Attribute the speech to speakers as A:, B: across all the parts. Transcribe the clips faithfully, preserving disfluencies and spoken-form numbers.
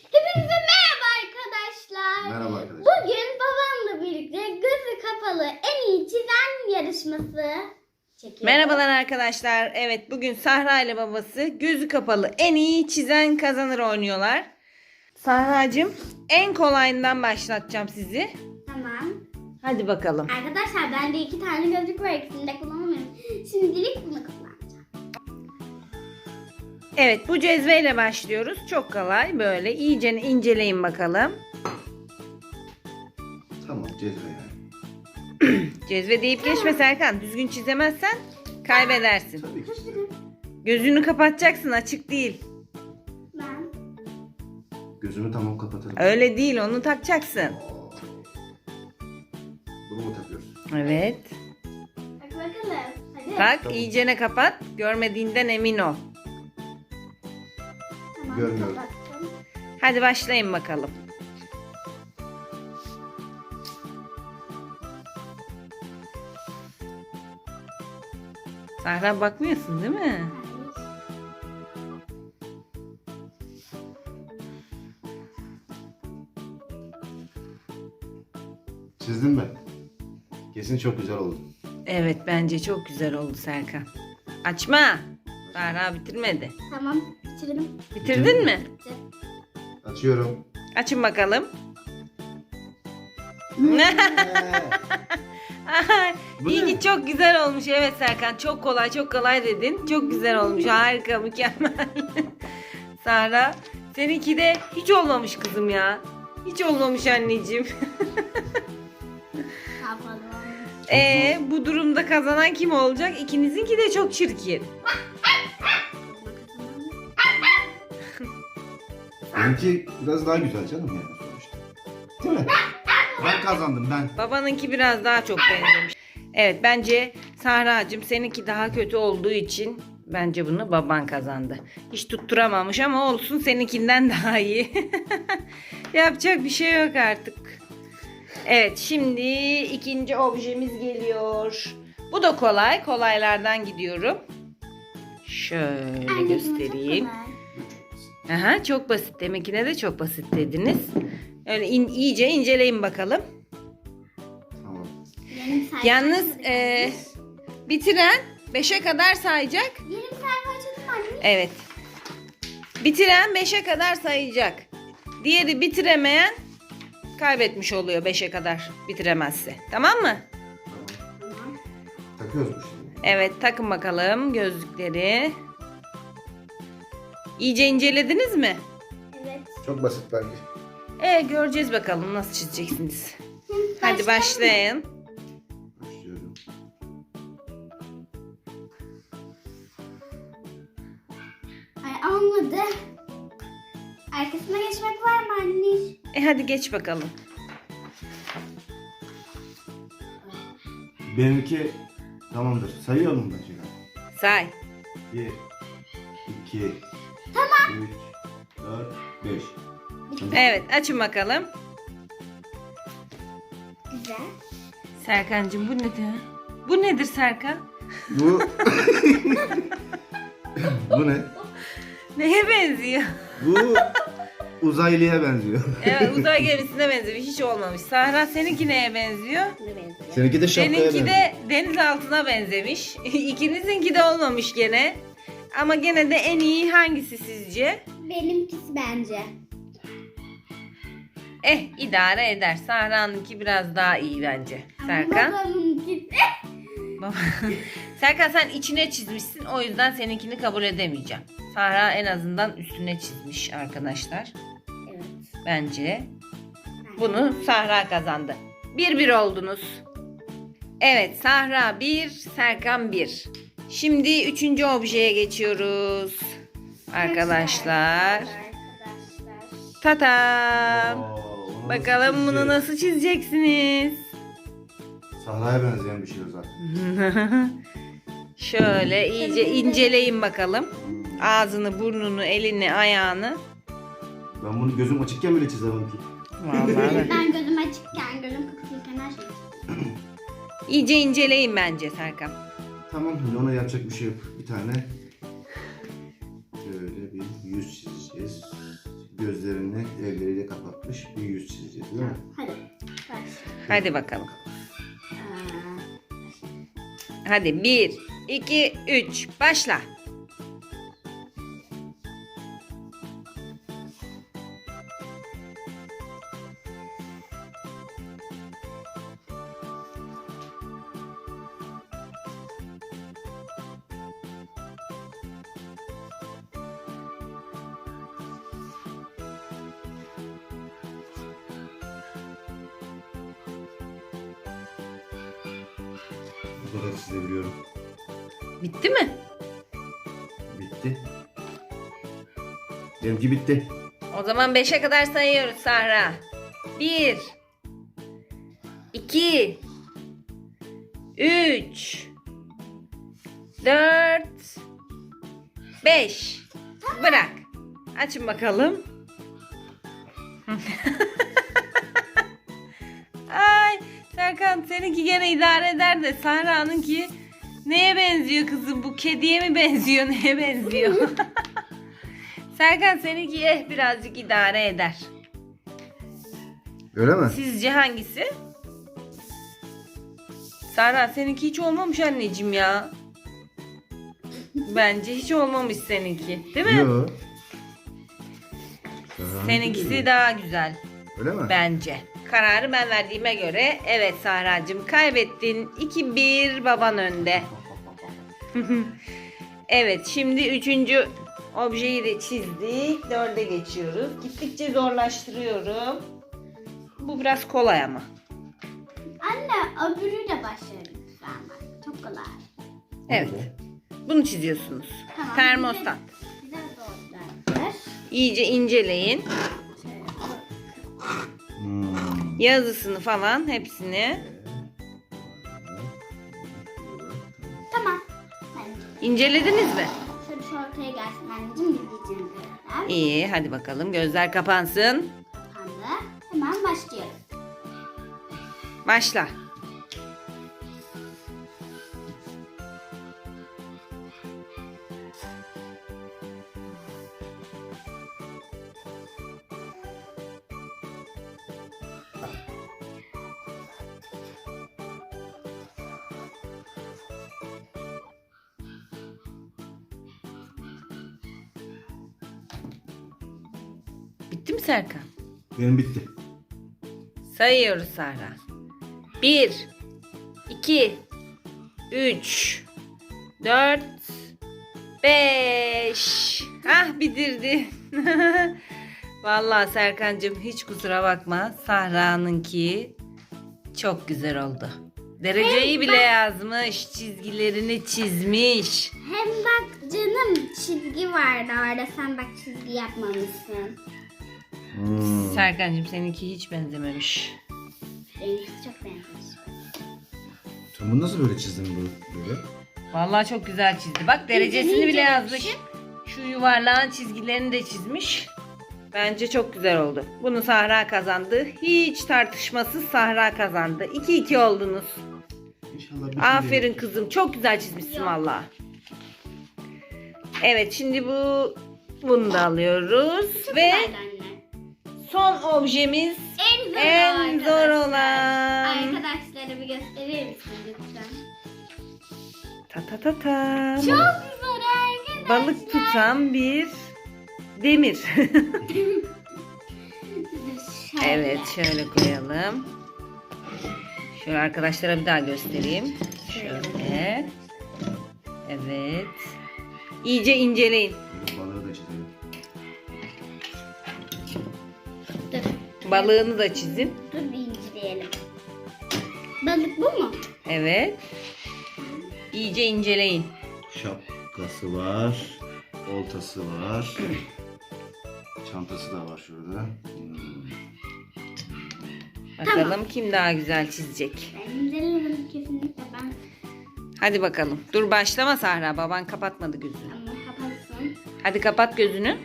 A: Hepinize merhaba arkadaşlar.
B: Merhaba arkadaşlar.
A: Bugün babamla birlikte gözü kapalı en iyi çizen yarışması çekiyoruz.
C: Merhabalar arkadaşlar. Evet, bugün Sahra ile babası gözü kapalı en iyi çizen kazanır oynuyorlar. Sahracığım, en kolayından başlatacağım sizi.
A: Tamam.
C: Hadi bakalım.
A: Arkadaşlar bende iki tane gözlük var, ikisini de kullanamıyorum. Şimdilik bunu kullanacağım.
C: Evet, bu cezveyle başlıyoruz. Çok kolay. Böyle iyice inceleyin bakalım.
B: Tamam, cezve yani.
C: Cezve deyip geçme Serkan. Düzgün çizemezsen kaybedersin.
B: Tabii ki çizerim.
A: Hazırım.
C: Gözünü kapatacaksın, açık değil.
A: Ben.
B: Gözümü tamam kapatırım.
C: Öyle değil, onu takacaksın.
B: Bunu mu takıyoruz?
C: Evet.
A: Bak bakalım. Hadi.
C: Tak,
B: Tamam.
C: iyicene kapat. Görmediğinden emin ol.
A: Tamam,
B: Görmüyorum.
A: kapattım.
C: Hadi başlayın bakalım. Sahra, bakmıyorsun değil mi?
B: Çizdim mi? Kesin çok güzel oldu.
C: Evet, bence çok güzel oldu Serkan. Açma. Sahra bitirmedi.
A: Tamam, bitirdim.
C: Bitirdin mi?
A: Bitti.
B: Açıyorum.
C: Açın bakalım.
B: Bu
C: İyi
B: ne?
C: ki çok güzel olmuş. Evet Serkan, çok kolay çok kolay dedin. Çok güzel olmuş. Harika, mükemmel. Sahra, seninki de hiç olmamış kızım ya. Hiç olmamış anneciğim.
A: Kapalı.
C: Ee, bu durumda kazanan kim olacak? İkinizinki de çok çirkin.
B: Benimki biraz daha güzel canım yani sonuçta. Değil mi? Ben kazandım ben.
C: Babanınki biraz daha çok benzemiş. Evet, bence Sahra'cığım seninki daha kötü olduğu için bence bunu baban kazandı. Hiç tutturamamış ama olsun, seninkinden daha iyi. Yapacak bir şey yok artık. Evet, şimdi ikinci objemiz geliyor. Bu da kolay. Kolaylardan gidiyorum. Şöyle
A: Anne,
C: göstereyim.
A: bu çok kolay.
C: Aha, çok basit. Deminkine de çok basit dediniz. Öyle in, iyice inceleyin bakalım.
B: Tamam.
A: Benim sayfam
C: Yalnız
A: hazır
C: e,
A: gelmiş.
C: bitiren beşe kadar sayacak.
A: Yeni bir sayfa açalım anne.
C: Evet. Bitiren beşe kadar sayacak. Diğeri bitiremeyen kaybetmiş oluyor beşe kadar bitiremezse. Tamam mı?
B: Tamam.
A: Tamam.
B: Takıyoruz mu şimdi?
C: Evet, takın bakalım gözlükleri. İyice incelediniz mi?
A: Evet.
B: Çok basit bence.
C: E göreceğiz bakalım nasıl çizeceksiniz.
A: Hı,
C: Hadi
A: başlayalım.
C: başlayın.
B: Başlıyorum.
A: Ay olmadı. Arkasına geçmek var mı anne?
C: E hadi geç bakalım.
B: Benimki tamamdır. Sayıyorum ben şimdi.
C: Say.
B: Bir, iki, tamam. Üç, dört, beş.
C: Evet, açın bakalım.
A: Güzel.
C: Serkancığım, bu nedir? Bu nedir Serkan?
B: Bu... Bu ne?
C: Neye benziyor?
B: Bu uzaylıya benziyor.
C: Evet, uzay gemisine benziyor. Hiç olmamış. Sahra, seninki neye benziyor?
A: Ne benziyor?
B: Seninki de şapkaya
C: Benimki
B: benziyor.
C: de deniz altına benzemiş. İkinizinki de olmamış gene. Ama gene de en iyi hangisi sizce?
A: Benimkisi bence.
C: Eh, idare eder. Sahra'nınki biraz daha iyi bence. Serkan.
A: Ama babamınkisi.
C: Baba- Serkan, sen içine çizmişsin. O yüzden seninkini kabul edemeyeceğim. Sahra en azından üstüne çizmiş arkadaşlar.
A: Evet.
C: Bence bunu Sahra kazandı. Bir bir oldunuz. Evet, Sahra bir, Serkan bir. Şimdi üçüncü objeye geçiyoruz. Arkadaşlar.
A: Arkadaşlar.
C: Tatam.
B: Oo, onu
C: Bakalım bunu
B: çizeceğiz?
C: nasıl çizeceksiniz?
B: Sahraya benzeyen bir şey o zaten.
C: Şöyle iyice inceleyin bakalım. Ağzını, burnunu, elini, ayağını.
B: Ben bunu gözüm açıkken bile çizemem ki.
C: Vallahi.
A: Ben gözüm açıkken, gözüm kapalıyken her şey.
C: İyice inceleyin bence Serkan.
B: Tamam, şimdi ona yapacak bir şey yok. Bir tane şöyle bir yüz çizeceğiz. Gözlerini Elleriyle kapatmış bir yüz çizeceğiz değil mi?
A: Hadi. Baş.
C: Hadi bakalım.
A: Aa,
C: Hadi bir, iki, üç. Başla.
B: Bu kadar çizebiliyorum.
C: Bitti mi?
B: Bitti. Benimki bitti.
C: O zaman beşe kadar sayıyoruz Sahra. Bir, iki, üç, dört, beş. Bırak. Açın bakalım. Ay Serkan, seninki gene idare eder de Sahra'nınki neye benziyor kızım? Bu kediye mi benziyor? Neye benziyor? Serkan, seninki eh birazcık idare eder.
B: Öyle mi?
C: Sizce hangisi? Sahra, seninki hiç olmamış anneciğim ya. Bence hiç olmamış seninki. Değil mi?
B: Yok.
C: Seninkisi daha güzel.
B: Öyle mi?
C: Bence. Kararı ben verdiğime göre evet Sahra'cığım, kaybettin. iki bir, baban önde. Evet, şimdi üçüncü objeyi de çizdik. Dörde geçiyoruz. Gittikçe zorlaştırıyorum. Bu biraz kolay ama.
A: Anne öbürüyle başlayalım lütfen bak. Çok kolay.
C: Evet. Bunu çiziyorsunuz.
A: Tamam.
C: Termostat.
A: Bize zorlar.
C: İyice inceleyin.
A: Şöyle.
B: Hmm.
C: Yazısını falan hepsini.
A: Tamam. Bence.
C: İncelediniz mi?
A: Şöyle şu ortaya gelsin anneciğim, gideceğim birazdan.
C: İyi, hadi bakalım. Gözler kapansın.
A: Kapandı. Hemen başlıyoruz.
C: Başla. Bitti mi Serkan?
B: Benim bitti.
C: Sayıyoruz Sahra. Bir, iki, üç, dört, beş. Ah, bitirdi. Vallahi Serkancığım, hiç kusura bakma. Sahra'nınki çok güzel oldu. Dereceyi bile yazmış. Çizgilerini çizmiş.
A: Hem bak canım, çizgi vardı orada. Sen bak çizgi yapmamışsın.
B: Hmm.
C: Serkancığım, seninki hiç benzememiş.
A: Benimkisi çok benzemiş.
B: Sen bunu nasıl böyle çizdin bu- böyle?
C: Vallahi çok güzel çizdi. Bak, derecesini
A: İnce
C: bile
A: ince
C: yazmış. Şu yuvarlağın çizgilerini de çizmiş. Bence çok güzel oldu. Bunu Sahra kazandı. Hiç tartışmasız Sahra kazandı. iki iki oldunuz.
B: İnşallah bitti.
C: Aferin kızım. Çok güzel çizmişsin vallahi. Evet, şimdi bu bunu da alıyoruz ve
A: Güzeldi anne.
C: son objemiz
A: En zor,
C: en zor
A: arkadaşlar.
C: olan.
A: Arkadaşlara bir gösterir misin lütfen?
C: Ta ta ta ta.
A: Çok zor arkadaşlar.
C: Balık tutan bir demir.
A: Şöyle.
C: Evet, şöyle koyalım. Şöyle arkadaşlara bir daha göstereyim. Şöyle. Evet. İyice inceleyin.
B: Böyle balığı da çizelim.
A: Dur.
C: Balığını da çizin.
A: Dur bir inceleyelim. Balık bu mu?
C: Evet. İyice inceleyin.
B: Şapkası var. Oltası var. Çantası da var şurada. Hmm.
C: Bakalım kim daha güzel çizecek.
A: Ben incelemedim kesinlikle ben.
C: Hadi bakalım. Dur, başlama Sahra. Baban kapatmadı gözünü.
A: Ama kapatsın.
C: Hadi kapat gözünü.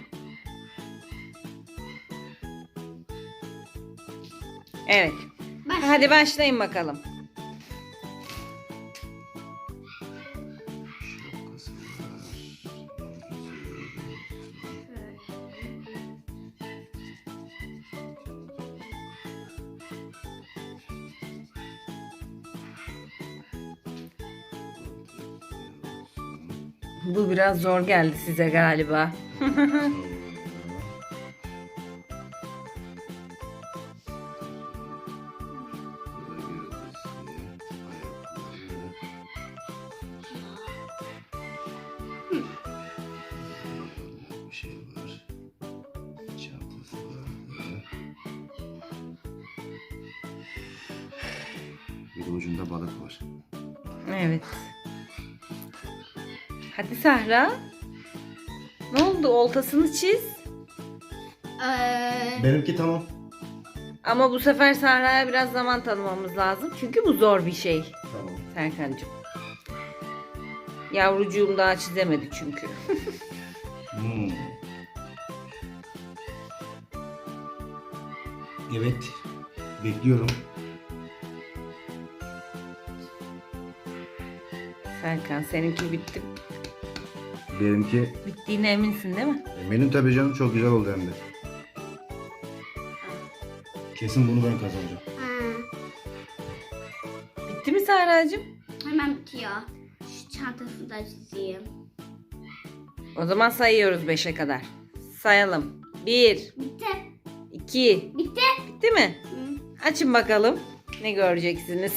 C: Evet.
A: Başla.
C: Hadi başlayın bakalım.
B: Şapkası var.
C: Bu biraz zor geldi size galiba.
B: Bir şey var. Çantası var. Bir de ucunda balık var.
C: Evet. Hadi Sahra. Ne oldu? Oltasını çiz.
A: Ee,
B: Benimki tamam.
C: Ama bu sefer Sahra'ya biraz zaman tanımamız lazım. Çünkü bu zor bir şey
B: Tamam.
C: Serkan'cığım. Yavrucuğum daha çizemedi çünkü.
B: Hmm. Evet. Bekliyorum.
C: Serkan seninki bitti.
B: Benimki
C: Bittiğine eminsin değil mi?
B: benim tabii canım çok güzel oldu hem de. Kesin bunu ben kazanacağım.
A: ha,
C: Bitti mi Sahra'cığım?
A: hemen bitiyor. Şu çantasını da çizeyim.
C: O zaman sayıyoruz beşe kadar. Sayalım. bir,
A: Bitti.
C: iki,
A: Bitti.
C: bitti mi?
A: Hı.
C: Açın bakalım. Ne göreceksiniz?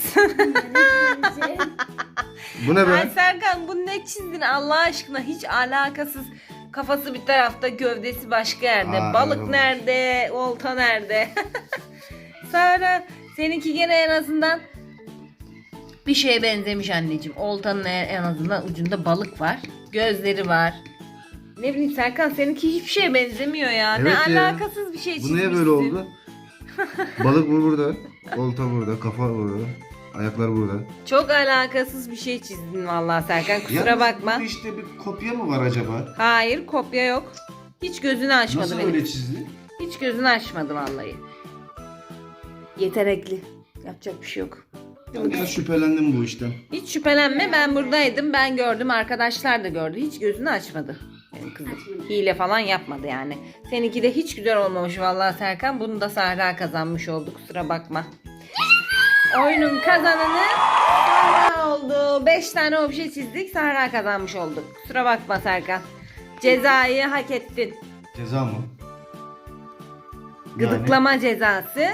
B: Bu ne
C: Ay
B: be?
C: Serkan bu ne çizdin Allah aşkına? Hiç alakasız. Kafası bir tarafta, gövdesi başka yerde.
B: Aa,
C: Balık
B: evet.
C: nerede? Olta nerede? Sara seninki gene en azından bir şeye benzemiş anneciğim. Oltanın en azından ucunda balık var. Gözleri var. Ne bileyim Serkan seninki hiçbir şeye benzemiyor ya.
B: Evet
C: ne
B: ya.
C: alakasız bir şey
B: Bu
C: çizmişsin.
B: niye böyle oldu? Balık bu burada. Olta burada. Kafa burada. Ayaklar burada.
C: Çok alakasız bir şey çizdin vallahi Serkan. Kusura
B: Yalnız
C: bakma.
B: bu işte bir kopya mı var acaba?
C: Hayır kopya yok. Hiç gözünü açmadı
B: Nasıl
C: benim.
B: öyle çizdi?
C: Hiç gözünü açmadı vallahi. Yetenekli. Yapacak bir şey yok.
B: Ben biraz şüphelendim bu işten.
C: Hiç şüphelenme ben buradaydım. Ben gördüm. Arkadaşlar da gördü. Hiç gözünü açmadı. Benim kızım.
A: Açmadı.
C: Hile falan yapmadı yani. Seninki de hiç güzel olmamış vallahi Serkan. Bunu da Sahra kazanmış oldu. Kusura bakma. Oyunun kazananı Sahra oldu. Beş tane obje çizdik. Sahra kazanmış olduk. Kusura bakma Serkan. Cezayı hak ettin.
B: Ceza mı?
C: Gıdıklama cezası.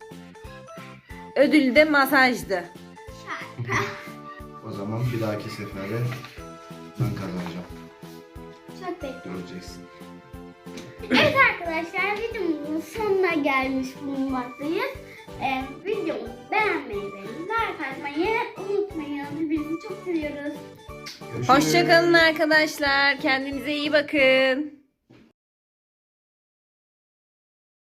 C: Ödül de masajdı.
B: Yani, o zaman bir dahaki sefere ben kazanacağım.
A: Çok bekliyorum.
B: Göreceksin.
A: Evet arkadaşlar videomuzun sonuna gelmiş bulunmaktayız. Ee, videomuzu beğenmeyi ve like atmayı unutmayın. Birbirinizi çok seviyoruz.
B: Görüşürüz.
C: Hoşçakalın arkadaşlar. Kendinize iyi bakın.